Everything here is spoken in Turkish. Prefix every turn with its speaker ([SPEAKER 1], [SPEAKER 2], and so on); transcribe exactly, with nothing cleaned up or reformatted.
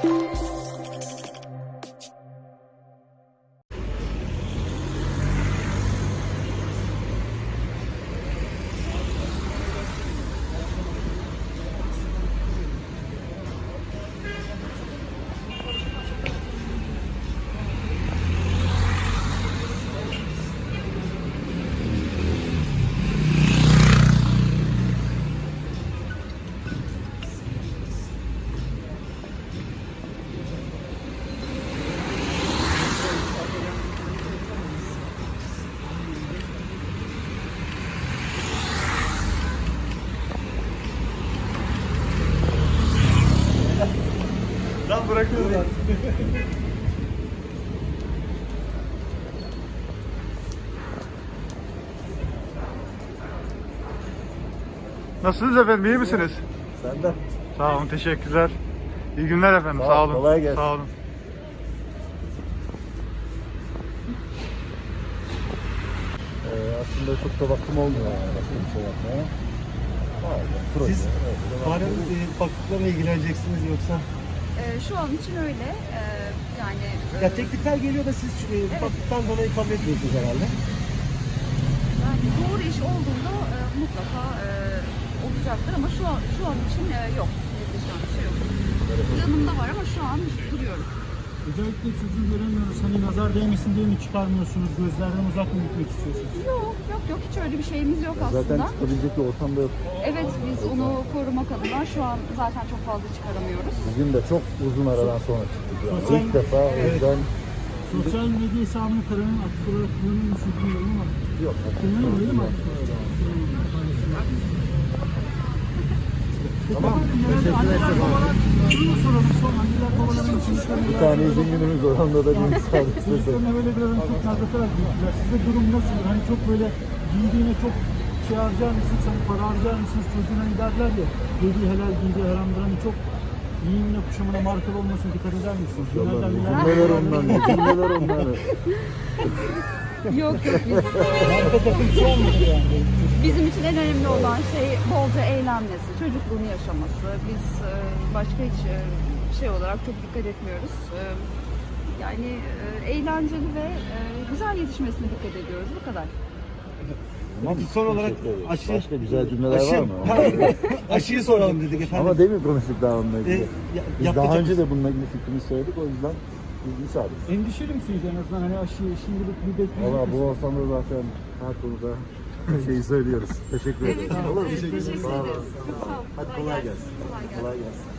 [SPEAKER 1] Lan bırakıyorlar. Nasılsınız efendim, iyi misiniz?
[SPEAKER 2] Sen de.
[SPEAKER 1] Sağ olun, teşekkürler. İyi günler efendim,
[SPEAKER 2] Sağ,
[SPEAKER 1] sağ olun.
[SPEAKER 2] kolay gelsin.
[SPEAKER 1] Sağ olun.
[SPEAKER 2] Ee, aslında çok da vaktim olmuyor yani başka bir şey yapmaya. Bazen proje,
[SPEAKER 3] Siz
[SPEAKER 2] öyle de
[SPEAKER 3] Farem
[SPEAKER 2] vaktim-
[SPEAKER 3] e, baktıklarına ilgileneceksiniz yoksa?
[SPEAKER 4] Ee, şu an için öyle. Ee, yani e,
[SPEAKER 3] Ya teklifler geliyor da siz e, baktıktan dolayı kabul etmiyorsunuz herhalde.
[SPEAKER 4] yani doğru iş olduğunda e, mutlaka e, olacaktır ama şu an şu an için e, yok. Netleşen bir şey yok. Yanımda var ama şu an duruyorum.
[SPEAKER 5] Özellikle çocuğu göremiyoruz. Hani nazar değmesin diye mi çıkarmıyorsunuz? Gözlerden uzak mı gitmek istiyorsunuz?
[SPEAKER 4] Yok yok yok hiç öyle bir şeyimiz yok
[SPEAKER 2] Zaten
[SPEAKER 4] aslında.
[SPEAKER 2] çıkabilecek bir ortam da yok.
[SPEAKER 4] Evet biz onu korumak adına şu an zaten çok fazla çıkaramıyoruz.
[SPEAKER 2] Bugün de çok uzun aradan sonra çıktık yani.
[SPEAKER 5] Sosyal-
[SPEAKER 2] İlk defa o yüzden
[SPEAKER 5] Sosyal medya hesabını kararın aktif olarak kullanıyor musunuz bilmiyorum ama
[SPEAKER 2] yok.
[SPEAKER 5] kullanıyor değil mi aktif olarak?
[SPEAKER 2] Tamam. Teşekkür ederim.
[SPEAKER 5] Şunu mu soralım son anneler babaların için
[SPEAKER 2] Bir tane izin günümüz var. Onda da bir müsaade istedim.
[SPEAKER 5] çocuklarına böyle biraz hani çok nazlatarak büyüttüler. Size durum nasıl? Hani çok böyle giydiğine çok şey harcar mısınız? Hani para harcar mısınız? Çocuğuna hani derler ya. Giydiği helal, giydiği haramdır. Hani çok giyimine, kuşamına markalı olmasına dikkat eder misiniz? Genelden bilen-
[SPEAKER 2] Cümleler ondan. Cümleler ondan.
[SPEAKER 4] Yok yok biz,
[SPEAKER 5] Marka takıntısı olmadı yani.
[SPEAKER 4] bizim için en önemli olan şey bolca eğlenmesi, çocukluğunu yaşaması. Biz e, başka hiç e, şey olarak çok dikkat etmiyoruz. E, Yani e, eğlenceli ve e, güzel yetişmesine dikkat ediyoruz. Bu kadar.
[SPEAKER 2] Tamam,
[SPEAKER 3] Peki son olarak
[SPEAKER 2] teşekkür ederiz.
[SPEAKER 3] aşı-
[SPEAKER 2] Başka güzel cümleler
[SPEAKER 3] Aşı,
[SPEAKER 2] var mı?
[SPEAKER 3] aşıyı soralım dedik efendim.
[SPEAKER 2] Ama demin konuştuk daha onunla ilgili.
[SPEAKER 3] E, ya-
[SPEAKER 2] Biz
[SPEAKER 3] yapacak-
[SPEAKER 2] daha önce de bununla ilgili fikrimizi söyledik. O yüzden biz müsaadiz.
[SPEAKER 5] Endişeli misiniz en azından hani aşıyı şimdilik bir bekliyor
[SPEAKER 2] Valla bu
[SPEAKER 5] musunuz?
[SPEAKER 2] ortamda zaten her konuda şeyi söylüyoruz. Teşekkür ederim.
[SPEAKER 4] Evet,
[SPEAKER 2] Olur mu?
[SPEAKER 4] teşekkür ederiz. Çok sağ olun.
[SPEAKER 2] Hadi kolay gelsin.
[SPEAKER 4] Kolay gelsin.
[SPEAKER 2] Kolay gelsin.